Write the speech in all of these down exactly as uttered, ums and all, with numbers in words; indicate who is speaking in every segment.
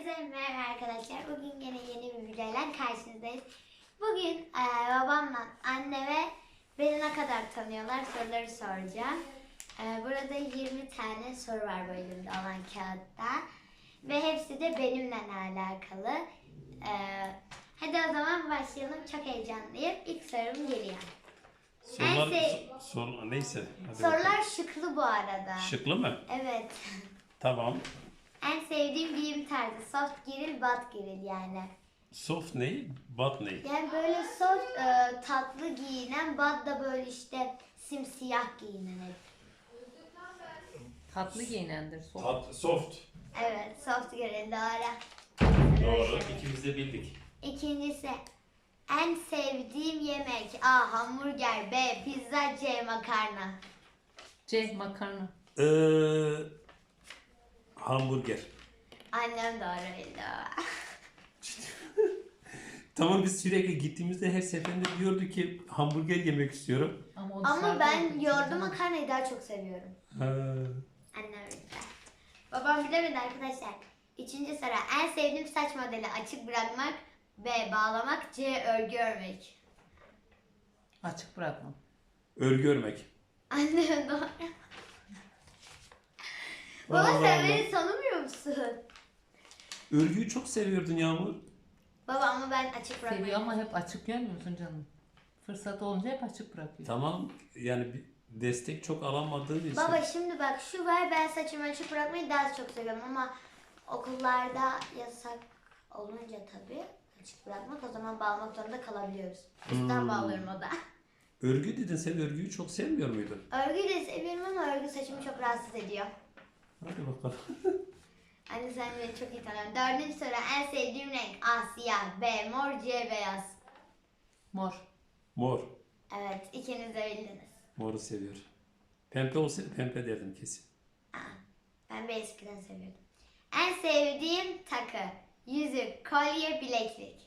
Speaker 1: Herkese merhaba arkadaşlar. Bugün yine yeni bir videoyla karşınızdayız. Bugün e, babamla anne ve beni ne kadar tanıyorlar soruları soracağım. E, burada yirmi tane soru var böyle olan kağıtta. Ve hepsi de benimle alakalı. E, hadi o zaman başlayalım. Çok heyecanlıyım. İlk sorum geliyor.
Speaker 2: Sorular,
Speaker 1: sev-
Speaker 2: sor, neyse. Hadi
Speaker 1: Sorular
Speaker 2: bakalım.
Speaker 1: şıklı bu arada.
Speaker 2: Şıklı mı?
Speaker 1: Evet.
Speaker 2: Tamam.
Speaker 1: En sevdiğim giyim tarzı soft giril, bat giril yani.
Speaker 2: Soft ne? Bat ne?
Speaker 1: Yani böyle soft e, tatlı giyinen, bat da böyle işte simsiyah giyinen hep.
Speaker 3: Tatlı giyinendir. Soğuk.
Speaker 2: Tat, soft.
Speaker 1: Evet, soft giril doğru.
Speaker 2: Doğru. İkimiz de bildik.
Speaker 1: İkincisi, en sevdiğim yemek A. Hamburger, B. Pizza, C. Makarna.
Speaker 3: C. Makarna.
Speaker 2: Ee, hamburger.
Speaker 1: Annem doğru bildi.
Speaker 2: Tamam, biz sürekli gittiğimizde her seferinde diyordu ki hamburger yemek istiyorum.
Speaker 3: Ama, o
Speaker 1: Ama
Speaker 3: dışarıda
Speaker 1: ben
Speaker 3: olduğu için
Speaker 1: yoğurdu
Speaker 3: canım.
Speaker 1: makarnayı daha çok seviyorum.
Speaker 2: Ha.
Speaker 1: Annem bildi. Babam bilemedi arkadaşlar. Üçüncü soru. En sevdiğim saç modeli açık bırakmak, B. Bağlamak, C. Örgü örmek.
Speaker 3: Açık bırakma.
Speaker 2: Örgü örmek.
Speaker 1: Annem doğru. Baba
Speaker 2: Allah
Speaker 1: sen
Speaker 2: Allah.
Speaker 1: beni tanımıyor musun?
Speaker 2: Örgüyü çok seviyordun Yağmur.
Speaker 1: Baba ama ben açık bırakmayı.
Speaker 3: Seviyor ama hep açık görmüyorsun canım. Fırsat olunca hep açık bırakıyor.
Speaker 2: Tamam, yani bir destek çok alamadığın için.
Speaker 1: Baba şimdi bak şu var, ben saçımı açık bırakmayı daha çok seviyorum ama okullarda yasak olunca tabii açık bırakmak, o zaman bağlamak zorunda kalabiliyoruz. Üstten
Speaker 2: Hmm.
Speaker 1: bağlıyorum o da.
Speaker 2: Örgü dedin, sen örgüyü çok sevmiyor muydun?
Speaker 1: Örgüyü de seviyorum ama örgü saçımı çok rahatsız ediyor.
Speaker 2: Hadi bakalım.
Speaker 1: Anne sen beni çok iyi tanıyorsun. Dördüncü soru. En sevdiğim renk A. Siyah, B. Mor, C. Beyaz.
Speaker 3: Mor.
Speaker 2: Mor.
Speaker 1: Evet, ikiniz de bildiniz.
Speaker 2: Moru seviyor. Pembe olsaydı pembe derdim kesin.
Speaker 1: Aa, ben bir eskiden seviyordum. En sevdiğim takı. Yüzük, kolye, bileklik.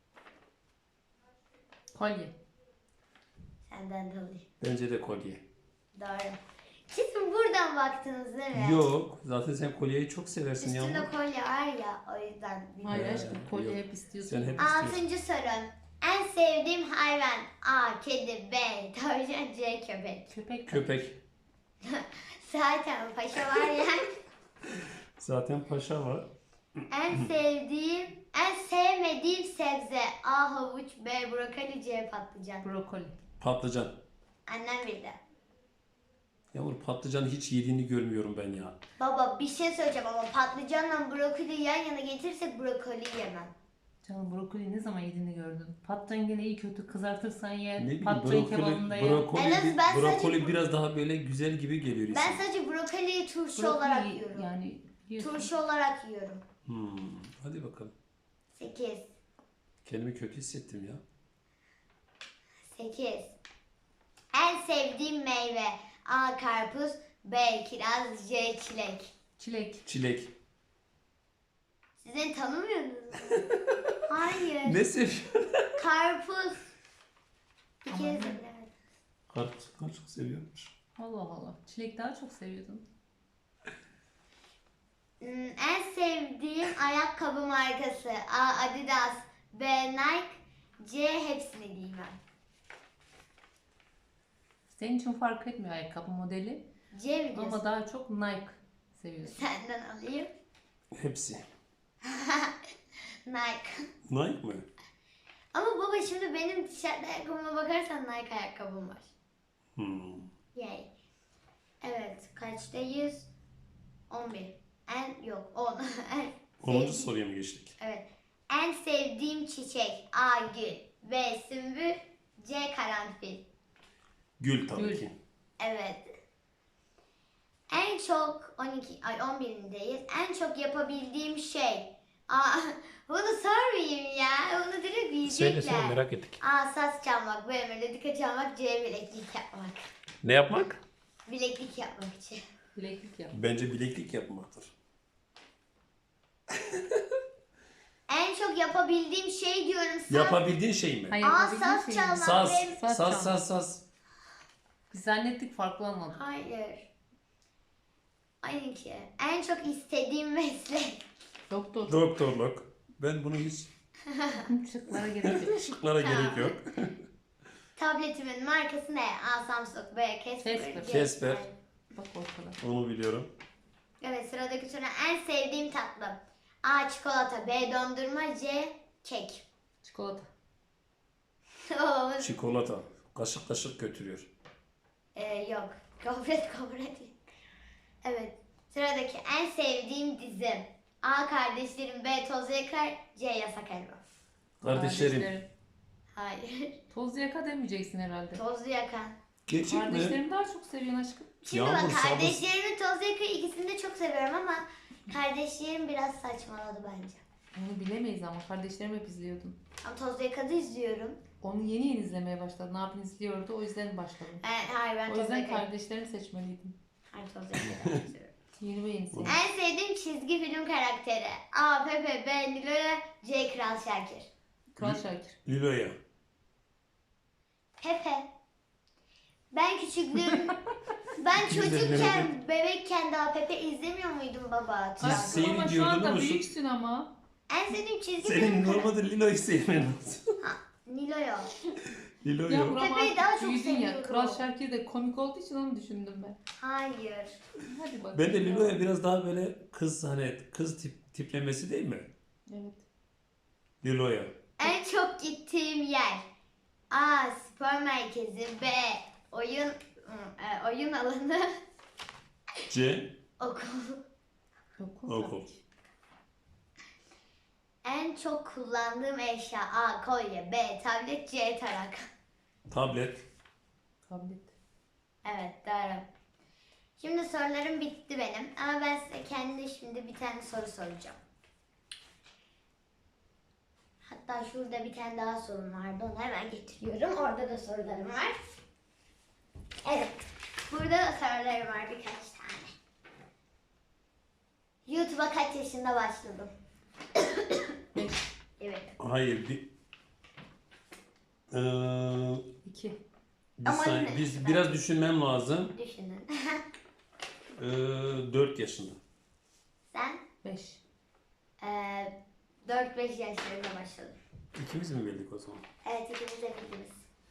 Speaker 3: Kolye.
Speaker 1: Senden de alayım.
Speaker 2: Bence de kolye.
Speaker 1: Doğru. Kesin buradan baktınız değil mi?
Speaker 2: Yok. Zaten sen kolyeyi çok seversin
Speaker 1: Üstünde
Speaker 2: Yağmur.
Speaker 1: kolye var ya, o yüzden
Speaker 3: Hayır
Speaker 1: bilmiyorum.
Speaker 3: aşkım, kolye
Speaker 2: yok.
Speaker 3: hep istiyorsun.
Speaker 2: Sen hep istiyorsun.
Speaker 1: Altıncı soru. En sevdiğim hayvan. A. Kedi, B. Tavşan, C. Köpek.
Speaker 3: Köpek.
Speaker 2: Köpek.
Speaker 1: Zaten paşa var ya.
Speaker 2: Zaten paşa var.
Speaker 1: En sevdiğim, en sevmediğim sebze. A. Havuç, B. Brokoli, C. Patlıcan.
Speaker 3: Brokoli.
Speaker 2: Patlıcan.
Speaker 1: Annem bildi.
Speaker 2: Yağmur, patlıcanı hiç yediğini görmüyorum ben ya.
Speaker 1: Baba bir şey söyleyeceğim ama patlıcanla brokoli yan yana getirirsek brokoli yemem.
Speaker 3: Canım brokoli ne zaman yediğini gördün. Patlıcan gene iyi kötü kızartırsan ye.
Speaker 2: Ne bileyim,
Speaker 3: Patlıcan kebabında
Speaker 2: brokoli,
Speaker 3: ye.
Speaker 2: brokoli,
Speaker 1: En az ben
Speaker 2: brokoli
Speaker 1: sadece-
Speaker 2: biraz daha böyle güzel gibi geliyor
Speaker 1: Ben
Speaker 2: insan.
Speaker 1: sadece brokoliyi turşu
Speaker 3: Brokoli
Speaker 1: olarak yiyorum.
Speaker 3: yani yiyorsun.
Speaker 1: Turşu olarak yiyorum.
Speaker 2: Hmm, hadi bakalım.
Speaker 1: sekiz.
Speaker 2: Kendimi kötü hissettim ya.
Speaker 1: sekiz. En sevdiğim meyve. A. Karpuz, B. Kiraz, C. Çilek.
Speaker 3: Çilek.
Speaker 2: Çilek.
Speaker 1: Siz beni tanımıyor musunuz? Hayır.
Speaker 2: Ne seviyorsun?
Speaker 1: Karpuz. Bir
Speaker 3: Ama
Speaker 1: kere
Speaker 3: ne?
Speaker 1: bilemedim.
Speaker 2: Karpuz çok seviyormuş.
Speaker 3: Allah Allah. Çilek daha çok seviyordun.
Speaker 1: Hmm, En sevdiğim ayakkabı markası. A. Adidas, B. Nike, C. Hepsini giymem.
Speaker 3: Senin için fark etmiyor ayakkabı modeli.
Speaker 1: C mi diyorsun?
Speaker 3: Ama daha çok Nike seviyorsun.
Speaker 1: Senden alayım.
Speaker 2: Hepsi.
Speaker 1: Nike.
Speaker 2: Nike mı?
Speaker 1: Ama baba şimdi benim tişört ayakkabıma bakarsan Nike ayakkabım var.
Speaker 2: Hmm.
Speaker 1: Yay. Evet. Kaçtayız? on bir. En yok on. En
Speaker 2: onuncu
Speaker 1: sevdiğim-
Speaker 2: soruya mı geçtik?
Speaker 1: Evet. En sevdiğim çiçek. A. Gül, B. Sümbül, C. Karanfil.
Speaker 2: Gül tabii
Speaker 3: Gül.
Speaker 2: ki.
Speaker 1: Evet. En çok on iki ay on birindeyiz. En çok yapabildiğim şey. Aa, bunu sormayayım ya. Bunu direkt bilecekler.
Speaker 2: Söyle söyle, merak ettik.
Speaker 1: A. Saz çalmak, B. Melodika çalmak, C. Bileklik yapmak.
Speaker 2: Ne yapmak?
Speaker 1: Bileklik yapmak için.
Speaker 3: Bileklik yap.
Speaker 2: Bence bileklik yapmaktır.
Speaker 1: En çok yapabildiğim şey diyorum. Saz.
Speaker 2: Yapabildiğin şey mi?
Speaker 3: Hayır,
Speaker 1: Aa,
Speaker 3: yapabildiğin
Speaker 1: saz
Speaker 3: şey
Speaker 1: çalmak.
Speaker 3: mi?
Speaker 2: Saz,
Speaker 1: benim-
Speaker 2: saz,
Speaker 3: Saz
Speaker 2: saz, saz.
Speaker 3: Biz zannettik farklı anladık.
Speaker 1: Hayır. Aynı ki. En çok istediğim meslek.
Speaker 3: Doktor.
Speaker 2: Doktorluk. Ben bunu hiç
Speaker 3: Şıklara gerek yok.
Speaker 2: şıklara
Speaker 1: Tamam.
Speaker 2: gerek yok.
Speaker 1: Tabletimin markası ne? A. Samsung, B. Casper,
Speaker 3: Casper.
Speaker 1: C.
Speaker 2: Casper.
Speaker 3: Bak ortada.
Speaker 2: Onu biliyorum.
Speaker 1: Evet, sıradaki soru. En sevdiğim tatlı. A. Çikolata, B. Dondurma, C. Kek.
Speaker 3: Çikolata.
Speaker 1: Oo,
Speaker 2: Çikolata. Kaşık kaşık götürüyor.
Speaker 1: ee, yok. Gofret gofret. Evet. Sıradaki en sevdiğim dizim. A. Kardeşlerim, B. Toz Yakar, C. Yasak Elma.
Speaker 2: Kardeşlerim.
Speaker 1: Hayır.
Speaker 3: Toz yaka demeyeceksin herhalde.
Speaker 1: Tozlu Yakan.
Speaker 2: Gerçek mi?
Speaker 3: Kardeşlerim daha çok seviyorsun aşkım.
Speaker 1: Şimdi
Speaker 2: Yağmur,
Speaker 1: bak,
Speaker 2: sabır.
Speaker 1: kardeşlerimin Toz Yakar ikisini de çok seviyorum ama kardeşlerim biraz saçmaladı bence.
Speaker 3: Onu bilemeyiz ama kardeşlerim hep izliyordum.
Speaker 1: Ama Toz Yakar'ı izliyorum.
Speaker 3: Onu yeni yeni izlemeye başladı. Ne yapayım izliyordu o yüzden başladım.
Speaker 1: Ee, hayır, ben
Speaker 3: O
Speaker 1: Toz
Speaker 3: yüzden
Speaker 1: Yakar'ı
Speaker 3: kardeşlerimi seçmeliydim.
Speaker 1: Hayır, Toz Yakar'ı izliyorum.
Speaker 3: Yeni ve yenisi.
Speaker 1: En sevdiğim çizgi film karakteri. A. Pepe, B. Nilo'ya, C. Kral Şakir.
Speaker 3: Kral Şakir.
Speaker 2: Lilo'ya.
Speaker 1: Pepe. Ben küçüklüğüm... ben çocukken, bebekken daha Pepe izlemiyor muydum baba?
Speaker 2: Siz
Speaker 3: Aşkım
Speaker 2: seyir
Speaker 3: ama şu
Speaker 2: diyordun
Speaker 3: anda
Speaker 2: ama şu-
Speaker 3: büyüksün ama.
Speaker 1: En sevdiğim çizgi
Speaker 2: Senin
Speaker 1: film karakteri.
Speaker 2: normalde Lilo'yu sevmen lazım.
Speaker 1: Nilo'ya.
Speaker 2: Lilo
Speaker 3: Ya
Speaker 2: yok.
Speaker 3: Buram
Speaker 1: Pepe'yi
Speaker 3: artık
Speaker 1: daha çok
Speaker 3: büyüdün ya.
Speaker 1: seviyorum.
Speaker 3: Kral Şakir de komik olduğu için onu düşündüm ben.
Speaker 1: Hayır.
Speaker 3: Hadi bakalım.
Speaker 2: Ben de Lilo'ya biraz daha böyle kız hani kız tip, tiplemesi değil mi?
Speaker 3: Evet.
Speaker 2: Lilo'ya.
Speaker 1: En çok gittiğim yer. A. Spor merkezi, B. Oyun e, oyun alanı,
Speaker 2: C.
Speaker 1: okul.
Speaker 3: Okul.
Speaker 2: Okul.
Speaker 1: En çok kullandığım eşya. A. Kolye, B. Tablet, C. Tarak.
Speaker 2: Tablet.
Speaker 3: Tablet.
Speaker 1: Evet, doğru. Şimdi sorularım bitti benim ama ben size kendi şimdi bir tane soru soracağım. Hatta şurada bir tane daha sorum vardı, onu hemen getiriyorum. Orada da sorularım var. Evet, burada da sorularım var birkaç tane. YouTube'a kaç yaşında başladım?
Speaker 3: Beş.
Speaker 1: Evet.
Speaker 2: Hayır bir ee,
Speaker 3: İki.
Speaker 2: bir
Speaker 1: Ama
Speaker 2: saniye,
Speaker 1: yine-
Speaker 2: biz biraz düşünmem lazım.
Speaker 1: Düşünün.
Speaker 2: Ee, dört yaşında.
Speaker 1: Sen
Speaker 3: Beş.
Speaker 1: eee dört beş yaşlarında başladın.
Speaker 2: İkimiz mi bildik o zaman?
Speaker 1: Evet, ikiniz de bildiniz.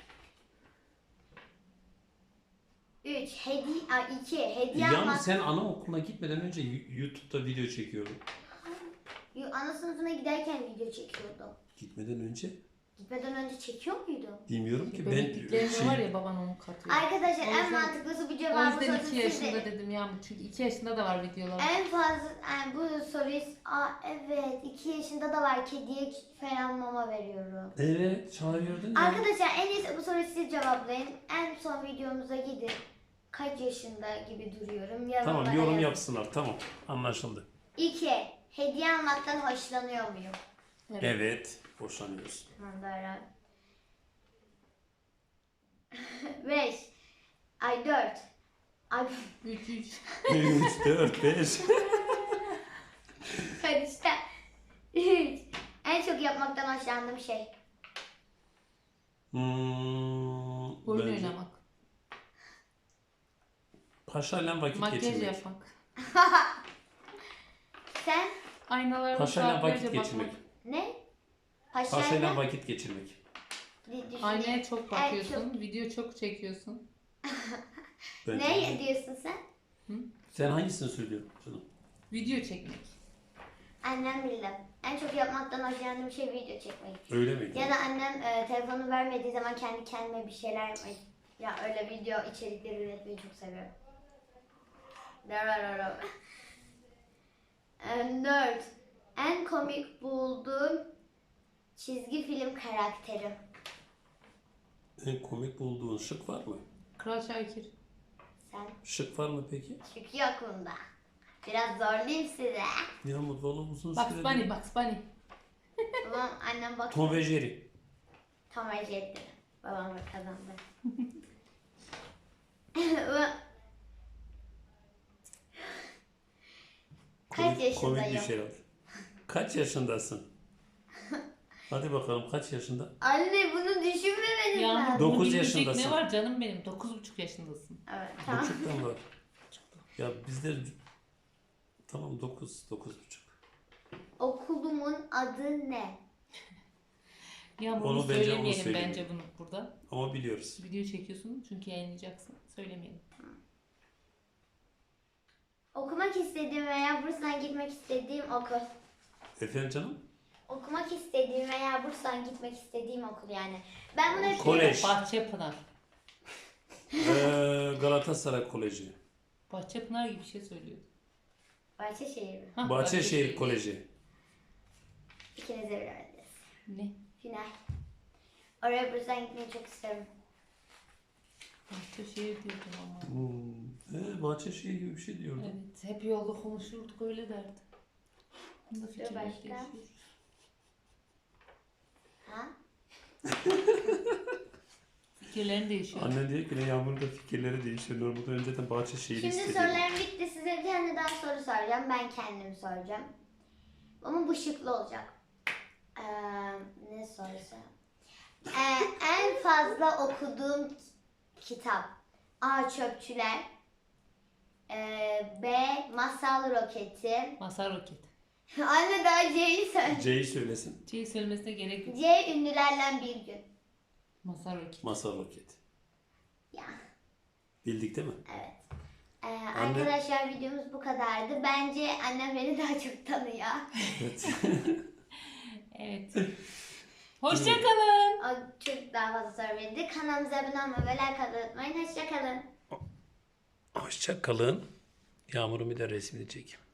Speaker 1: Üç, hediye, iki, hediye
Speaker 2: Yalnız
Speaker 1: almak.
Speaker 2: sen anaokuluna gitmeden önce Y- YouTube'da video çekiyordun.
Speaker 1: Yo, ana sınıfına giderken video çekiyordum.
Speaker 2: Gitmeden önce
Speaker 1: Gitmeden önce çekiyor muydu?
Speaker 2: bilmiyorum ki ben
Speaker 3: Bebekliklerinde
Speaker 2: şey,
Speaker 3: var ya baban onu katıyor.
Speaker 1: Arkadaşlar
Speaker 3: O
Speaker 1: en
Speaker 3: yüzden-
Speaker 1: mantıklısı bu
Speaker 3: O
Speaker 1: cevabı
Speaker 3: yüzden
Speaker 1: sorun
Speaker 3: iki yaşında
Speaker 1: size.
Speaker 3: dedim ya. Çünkü iki yaşında da var videolar.
Speaker 1: En fazla yani bu soruyu aa evet iki yaşında da var, kediye falan mama veriyorum.
Speaker 2: evet çağırıyordun ya.
Speaker 1: Arkadaşlar en iyisi bu soruyu siz cevaplayın. En son videomuza gidin. Kaç yaşında gibi duruyorum. Yorumlara
Speaker 2: Tamam yorum
Speaker 1: yazın.
Speaker 2: yapsınlar tamam anlaşıldı.
Speaker 1: İki, hediye almaktan hoşlanıyor muyum?
Speaker 3: Evet.
Speaker 2: Evet boşanıyoruz.
Speaker 1: Tamam, böyle. Beş. Ay dört. Ay
Speaker 3: Üç üç.
Speaker 2: üç, dört, beş.
Speaker 1: karıştı. Üç. En çok yapmaktan hoşlandığım şey.
Speaker 2: Hmm,
Speaker 3: Oyun
Speaker 2: bence
Speaker 3: oynamak.
Speaker 2: Paşayla vakit
Speaker 3: Makyaj
Speaker 2: geçirmek.
Speaker 3: yapmak.
Speaker 1: Sen
Speaker 3: Aynalarda
Speaker 2: Paşayla
Speaker 3: saatlerce
Speaker 2: vakit geçirmek.
Speaker 3: bakmak.
Speaker 1: ne?
Speaker 2: Paşayla
Speaker 1: Paşayla.
Speaker 2: vakit geçirmek.
Speaker 1: Di- düşüneyim.
Speaker 3: Aynaya çok
Speaker 1: En
Speaker 3: bakıyorsun. Video çok çekiyorsun.
Speaker 2: Bence.
Speaker 1: Ne diyorsun sen?
Speaker 2: Sen hangisini söylüyorsun canım?
Speaker 3: Video çekmek.
Speaker 1: Annem bildim. En çok yapmaktan hoşlandığım şey video çekmek.
Speaker 2: Öyle miydi?
Speaker 1: Ya da annem e, telefonu vermediği zaman kendi kendime bir şeyler yapmayı. Ya öyle video içerikleri üretmeyi çok seviyorum. E, Dört. En komik bulduğum çizgi film karakteri.
Speaker 2: En komik bulduğun şık var mı?
Speaker 3: Kral Şakir.
Speaker 1: Sen
Speaker 2: Şık var mı peki?
Speaker 1: şık yok bunda. Biraz zorlayayım size.
Speaker 2: Yağmur valla uzun
Speaker 3: Bugs
Speaker 2: süredir.
Speaker 3: Bunny, Bugs Bunny.
Speaker 1: Babam annem bak.
Speaker 2: Tom ve Jerry.
Speaker 1: Tam acı etti. Babam da kazandı. Kaç
Speaker 2: Komik-
Speaker 1: yaşındayım?
Speaker 2: Komik bir şey var. Kaç yaşındasın? Hadi bakalım kaç yaşında?
Speaker 1: Anne bunu düşünmemeniz
Speaker 3: Ya
Speaker 1: lazım.
Speaker 2: Dokuz
Speaker 3: bunu bilecek
Speaker 2: yaşındasın.
Speaker 3: Ne var canım benim? Dokuz buçuk yaşındasın.
Speaker 1: Evet, tamam.
Speaker 2: Buçuktan var. Ya bizde tamam dokuz, dokuz buçuk.
Speaker 1: Okulumun adı ne?
Speaker 3: Ya bunu
Speaker 2: Onu bence onu
Speaker 3: söylemeyelim
Speaker 2: söyleyelim.
Speaker 3: bence bunu burada.
Speaker 2: Ama biliyoruz.
Speaker 3: Video çekiyorsun çünkü yayınlayacaksın. Söylemeyelim.
Speaker 1: Okumak istediğim veya bursdan gitmek istediğim okul.
Speaker 2: Efendim canım?
Speaker 1: Okumak istediğim veya bursdan gitmek istediğim okul yani. Ben bunu hep
Speaker 2: Kolej.
Speaker 3: Bahçepınar.
Speaker 2: Ee, Galatasaray Koleji.
Speaker 3: Bahçepınar gibi bir şey söylüyordu.
Speaker 1: Bahçeşehir mi?
Speaker 3: Hah,
Speaker 2: Bahçeşehir Koleji.
Speaker 1: İkiniz de bilemediniz.
Speaker 3: Ne?
Speaker 1: Final. Oraya bursdan gitmeyi çok istiyorum.
Speaker 3: Bahçeşehir diyordum ama.
Speaker 2: Hmm. Ee, Bahçeşehir gibi bir şey diyordu.
Speaker 3: Evet, hep yolda konuşurduk öyle derdi. Bunda fikirler
Speaker 1: başka?
Speaker 3: değişiyor.
Speaker 1: Ha?
Speaker 3: Fikirlerin değişiyor.
Speaker 2: Anne diyor ki ne Yağmur'un da fikirleri değişiyor. Normalde önceden Bahçeşehir'i
Speaker 1: Şimdi
Speaker 2: istedi.
Speaker 1: sorularım bitti. Size bir tane daha soru soracağım. Ben kendim soracağım. Ama bu şıklı olacak. Ee, ne sorusu? Ee, en fazla okuduğum kitap. A. Çöpçüler. Ee, B. Masal Roketi.
Speaker 3: Masar Roket.
Speaker 1: Anne daha C'yi söyle.
Speaker 2: C'yi söylesin.
Speaker 3: Şey söylemesine gerek yok.
Speaker 1: C. Ünlülerden bir gün.
Speaker 3: Masar Roket.
Speaker 2: Masal Roket.
Speaker 1: Ya.
Speaker 2: Bildik değil mi?
Speaker 1: Evet. Ee, arkadaşlar videomuz bu kadardı. Bence annem beni daha çok tanıyor.
Speaker 2: Evet.
Speaker 3: Evet. Hoşçakalın.
Speaker 1: O çok daha fazla soru verildi. Kanalımıza abone olmayı ve like atmayı unutmayın. Hoşçakalın.
Speaker 2: Hoşça kalın. Yağmur'un bir de resmini çek.